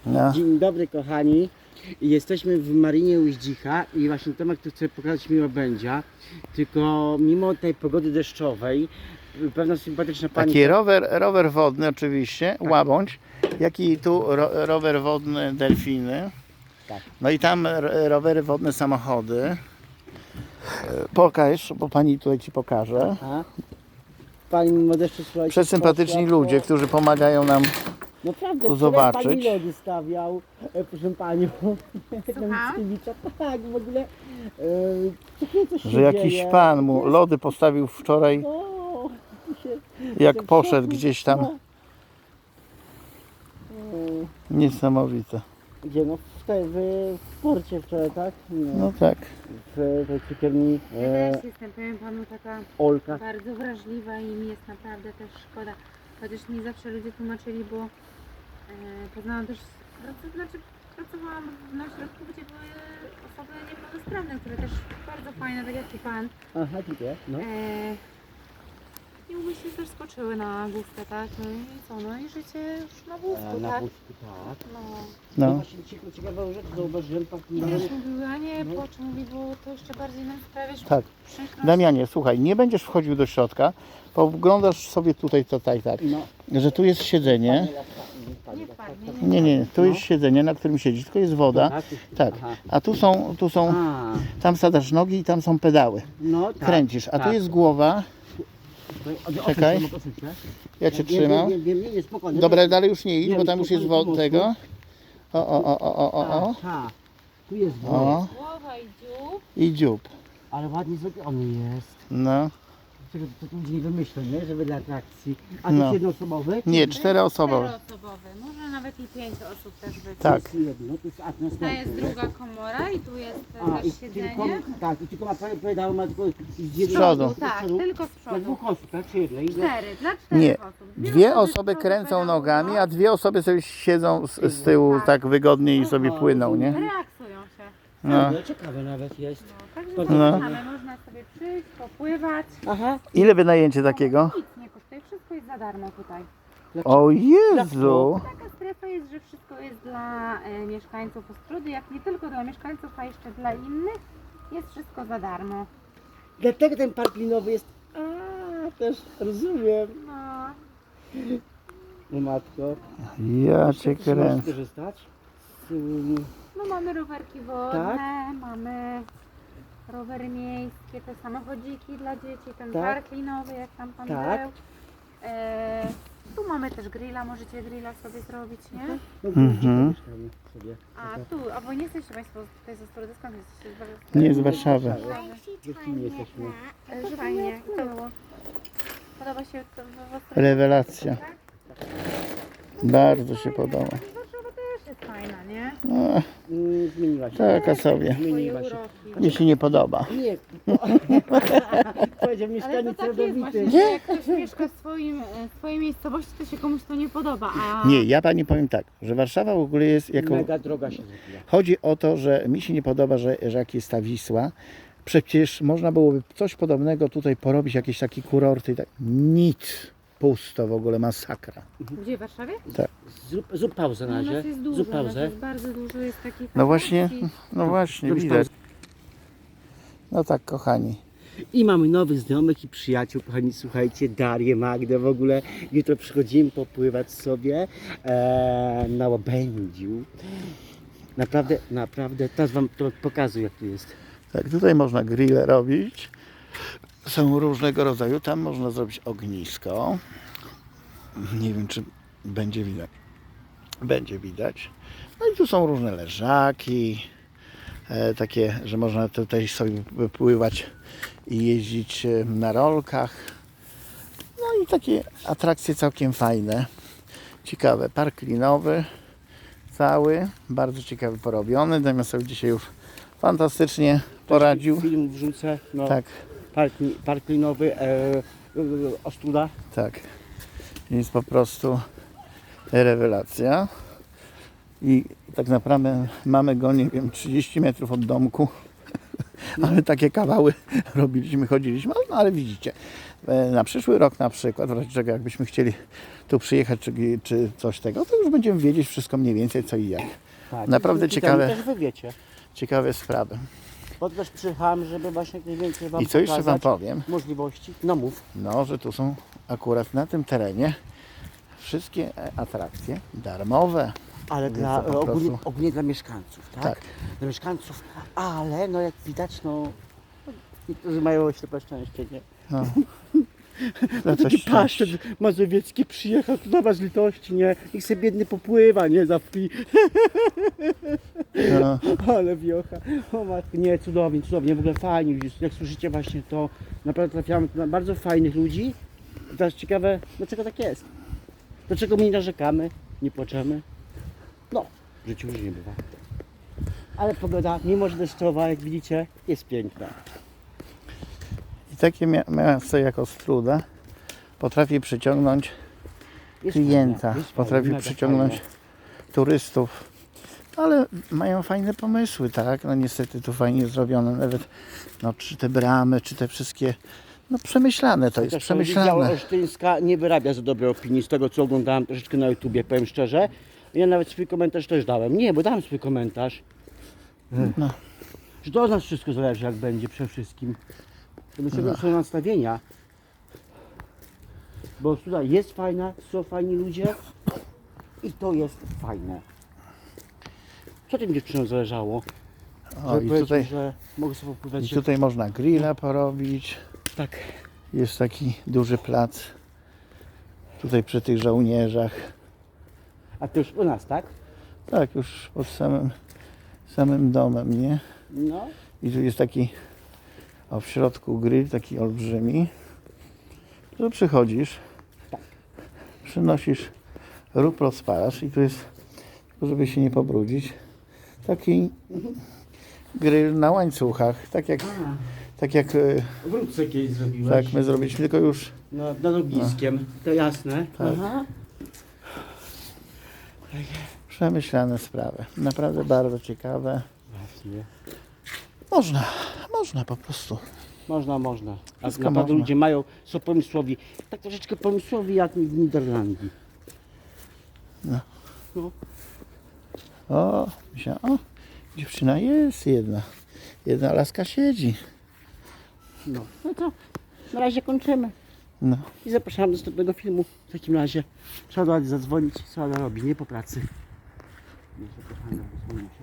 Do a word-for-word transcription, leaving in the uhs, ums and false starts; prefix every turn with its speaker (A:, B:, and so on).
A: No.
B: Dzień dobry kochani. Jesteśmy w Marinie Uździcha i właśnie Tomek tu chce pokazać mi Łabędzia. Tylko mimo tej pogody deszczowej pewna sympatyczna pani...
A: Taki rower, rower wodny oczywiście, łabędź, jak i tu ro, rower wodny delfiny.
B: Tak.
A: No i tam ro- rowery wodne samochody. E, Pokaż, bo pani tutaj ci pokaże.
B: A? Pani mimo deszczu, słuchajcie...
A: Przesympatyczni
B: poszła
A: ludzie,
B: po-
A: którzy pomagają nam.
B: Naprawdę,
A: tu
B: wczoraj
A: zobaczyć.
B: Pani lody stawiał, e, proszę panią.
C: Słucham?
B: Mickiewicza. Tak, w ogóle... E, takie coś się
A: Że jakiś
B: dzieje.
A: pan mu lody postawił wczoraj,
B: O, się,
A: jak
B: jestem w
A: poszedł
B: szoku.
A: gdzieś tam.
B: No. E,
A: Niesamowite.
B: Gdzie? No w, tej, w, w porcie wczoraj, tak? Nie.
A: No tak.
B: W tej cukierni
C: Ja
B: e,
C: też jestem, powiem panu, taka
B: Olka.
C: bardzo wrażliwa i mi jest naprawdę też szkoda. Chociaż mi zawsze ludzie tłumaczyli, bo e, poznałam też, pracu, znaczy pracowałam na ośrodku, gdzie były osoby niepełnosprawne, które też bardzo fajne, tak jak i pan.
B: Aha, dziękuję. No.
C: E, I umysły też skoczyły na główkę, tak? No i co? No i życie już na wózku,
B: E, na
C: tak?
B: wózku, tak.
C: No.
B: No
A: No.
B: właśnie ciekawe, ciekawą rzecz zauważyłem. Tak,
C: I
B: no,
C: też mówił, a nie,
B: No.
C: płacz, mówi, bo to jeszcze bardziej nam sprawiasz
A: Tak.
C: przykrość.
A: Damianie, słuchaj, nie będziesz wchodził do środka, poglądasz sobie tutaj, tutaj, tak,
B: no.
A: że tu jest siedzenie.
C: Nie wpadnie,
A: Nie, nie, tu
B: No.
A: jest siedzenie, na którym siedzisz, tylko jest woda.
B: Tak,
A: Tak,
B: Aha.
A: a tu są, tu są,
B: A,
A: tam sadasz nogi i tam są pedały.
B: no tak.
A: Kręcisz, a tu
B: tak.
A: jest głowa,
B: Tutaj, odsuń się,
A: Czekaj.
B: Tomek, odsuń się.
A: ja cię
B: Nie,
A: trzymam.
B: Nie, nie, nie, nie, spokojnie.
A: Dobra, dalej już nie idź,
B: Nie,
A: bo tam już jest
B: spokojnie,
A: woda
B: pomocno.
A: tego. O, o, o, o, o, o, o.
B: Tak, tak. Tu jest woda.
A: O,
C: Głowa i dziób.
A: i dziób.
B: Ale ładnie zrobiony jest.
A: No,
B: Czego to tu ludzie nie wymyślą, nie? Żeby dla atrakcji. A to
A: No.
B: jest jednoosobowy?
A: nie, czteroosobowe.
C: Czteroosobowy, może nawet i pięć osób też być.
A: Tak.
B: To jest jedno, to jest a,
C: To
B: następne,
C: jest
B: nie?
C: druga komora i tu jest
B: A, i
C: też
B: tylko,
C: siedzenie.
B: tak, i tylko ma powiedział, ma tylko z
C: Z
B: jednej-
A: przodu.
B: z
C: Tak,
B: przodu.
C: tylko z
B: Dla
C: przodu.
B: dwóch osób, tak? Czy jednej?
C: Cztery, dla czterech
A: Nie,
C: osób.
A: dwie
C: osoby z
A: osoby
C: przodu
A: kręcą
C: pedałują,
A: nogami, a dwie osoby sobie siedzą z, z tyłu
C: Tak.
A: tak wygodnie i sobie
B: Aha,
A: płyną, nie?
C: relaksują się.
A: No.
B: No, ciekawe nawet jest.
C: No, także
B: No.
C: zapraszamy, można sobie przyjść, popływać.
B: Aha.
A: Ile wynajęcie takiego?
C: Nic nie kosztuje, wszystko jest za darmo tutaj.
A: O Jezu!
C: Taka strefa jest, że wszystko jest dla e, mieszkańców Ostródy, jak nie tylko dla mieszkańców, a jeszcze dla innych. Jest wszystko za darmo.
B: Dlatego ten park linowy jest... A, też rozumiem.
C: No,
B: No matko.
A: Ja cię
B: Czy możesz
A: kręcę.
B: skorzystać? Z, ym,
C: no mamy rowerki wodne,
B: Tak?
C: mamy rowery miejskie, te samochodziki dla dzieci, ten
B: Tak?
C: park linowy, jak tam pan
B: Tak.
C: był. E, tu mamy też grilla, możecie grilla sobie zrobić, nie?
B: No,
A: Mhm.
B: mieszkamy sobie.
C: A tu, albo nie jesteście Państwo tutaj z Ostródy, skąd jesteście? Z Warszawy?
A: Nie, z Warszawy.
B: Dziewczyny jesteśmy.
C: E, Że fajnie. I to było. Podoba się to w Ostrodzie?
A: Rewelacja.
C: Tak?
A: Bardzo się podoba.
C: Warszawa też jest fajna, nie?
A: No,
B: Mm, zmieniła się.
A: taka sobie.
C: Swoje
B: Zmieniła się.
C: uroki.
A: Mnie się nie podoba.
B: Nie. Powiedział
C: Ale
B: mieszkaniec
C: to tak jest właśnie,
B: rodowity.
C: że jak ktoś mieszka w swoim, e, swojej miejscowości, to się komuś to nie podoba, a...
A: Nie, ja pani powiem tak, że Warszawa w ogóle jest jako...
B: Mega droga się zrobiła.
A: Chodzi o to, że mi się nie podoba, że, że jak jest ta Wisła, przecież można byłoby coś podobnego tutaj porobić, jakieś takie kurorty i tak. Nic. Pusto w ogóle, masakra.
C: Gdzie, w Warszawie?
B: Zrób, zrób pauzę na
C: No, u nas
B: razie.
C: jest dużo,
B: Zrób
C: u nas
B: pauzę.
C: jest bardzo dużo, jest takich
A: No właśnie,
C: atrakcji.
A: no właśnie,
B: Zrobisz
A: widać.
B: pauzę.
A: No tak, kochani.
B: I mamy nowych znajomych i przyjaciół, kochani, słuchajcie, Darię, Magdę, w ogóle jutro przychodzimy popływać sobie e, na Łabędziu. Naprawdę, naprawdę, teraz wam to pokazuję, jak tu jest.
A: Tak, tutaj można grille robić. Są różnego rodzaju. Tam można zrobić ognisko. Nie wiem, czy będzie widać. Będzie widać. No i tu są różne leżaki. E, takie, że można tutaj sobie wypływać i jeździć e, na rolkach. No i takie atrakcje całkiem fajne. Ciekawe. Park linowy. Cały. Bardzo ciekawy porobiony. Damian sobie dzisiaj już fantastycznie poradził.
B: Film wrzucę, no,
A: Tak.
B: park, park linowy, e, e, Ostróda.
A: Tak. Jest po prostu rewelacja. I tak naprawdę mamy go, nie wiem, trzydzieści metrów od domku. ale takie kawały robiliśmy, chodziliśmy, no ale widzicie, e, na przyszły rok na przykład, w razie czego jakbyśmy chcieli tu przyjechać czy, czy coś tego, to już będziemy wiedzieć wszystko mniej więcej co i jak.
B: Tak,
A: Naprawdę
B: i tutaj
A: ciekawe.
B: też wy wiecie.
A: Ciekawe sprawy.
B: Bo też przyjechałem, żeby właśnie jak najwięcej wam
A: I co jeszcze wam
B: pokazać
A: powiem,
B: możliwości. No mów.
A: no, że tu są akurat na tym terenie wszystkie e, atrakcje darmowe.
B: Ale
A: Więc
B: dla,
A: to po
B: ogólnie,
A: prostu-
B: ogólnie dla mieszkańców, tak?
A: Tak.
B: Dla mieszkańców, ale no jak widać, no niektórzy mają ślepe szczęście, nie?
A: No. No
B: Taki
A: coś
B: paszczet mazowiecki przyjechał tu do was z litości, nie? Niech sobie biedny popływa, nie? Za free.
A: no.
B: Ale wiocha. O matko, nie, cudownie, cudownie, w ogóle fajnie, widzisz, jak słyszycie właśnie to, naprawdę trafiamy tu na bardzo fajnych ludzi. I teraz ciekawe, dlaczego tak jest? Dlaczego my nie narzekamy, nie płaczemy? No, w życiu różnie bywa. Ale pogoda, mimo że deszczowa, jak widzicie, jest piękna.
A: I takie mia- miasto jak Ostróda potrafi przyciągnąć
B: Jest
A: klienta,
B: fajne, jest
A: potrafi
B: fajne, mega
A: przyciągnąć
B: fajne.
A: turystów. Ale mają fajne pomysły, tak? No niestety tu fajnie zrobione, nawet no, czy te bramy, czy te wszystkie, no przemyślane to jest,
B: Chociaż to Wydział
A: przemyślane.
B: Olsztyńska nie wyrabia za dobrej opinii z tego, co oglądałem troszeczkę na YouTubie, powiem szczerze. Ja nawet swój komentarz też dałem. Nie, bo dałem swój komentarz.
A: No.
B: Że to od nas wszystko zależy, jak będzie przede wszystkim. To do czego są nastawienia. Bo tutaj jest fajna, są fajni ludzie i to jest fajne. Co tym dziewczynom zależało?
A: O,
B: Żeby
A: i
B: powiedzieć,
A: tutaj,
B: że mogę sobie popływać.
A: i tutaj można grilla porobić.
B: Tak.
A: Jest taki duży plac. Tutaj przy tych żołnierzach.
B: A to już u nas, tak?
A: Tak, już pod samym, samym domem, nie?
B: No.
A: I tu jest taki, o w środku grill, taki olbrzymi. Tu przychodzisz,
B: Tak.
A: przynosisz rób, rozpalasz i tu jest, tylko żeby się nie pobrudzić, taki grill na łańcuchach, tak jak, tak jak e,
B: Wrócę kiedyś zrobiłeś.
A: tak my zrobiliśmy, tylko już
B: No, nad ogniskiem, to jasne.
A: Tak.
B: Aha.
A: przemyślane sprawy. Naprawdę bardzo ciekawe.
B: Właśnie.
A: Można, można po prostu.
B: Można, można. A
A: Wszystko
B: naprawdę
A: można.
B: ludzie mają, są pomysłowi. Tak troszeczkę pomysłowi jak w Niderlandii.
A: No.
B: No.
A: O, myślałem, o, dziewczyna jest jedna. Jedna laska siedzi.
B: No. No to na razie kończymy.
A: No.
B: I zapraszam do następnego filmu. W takim razie trzeba do Adi zadzwonić, co Ada robi, nie po pracy. No, zapraszam do zadzwonić.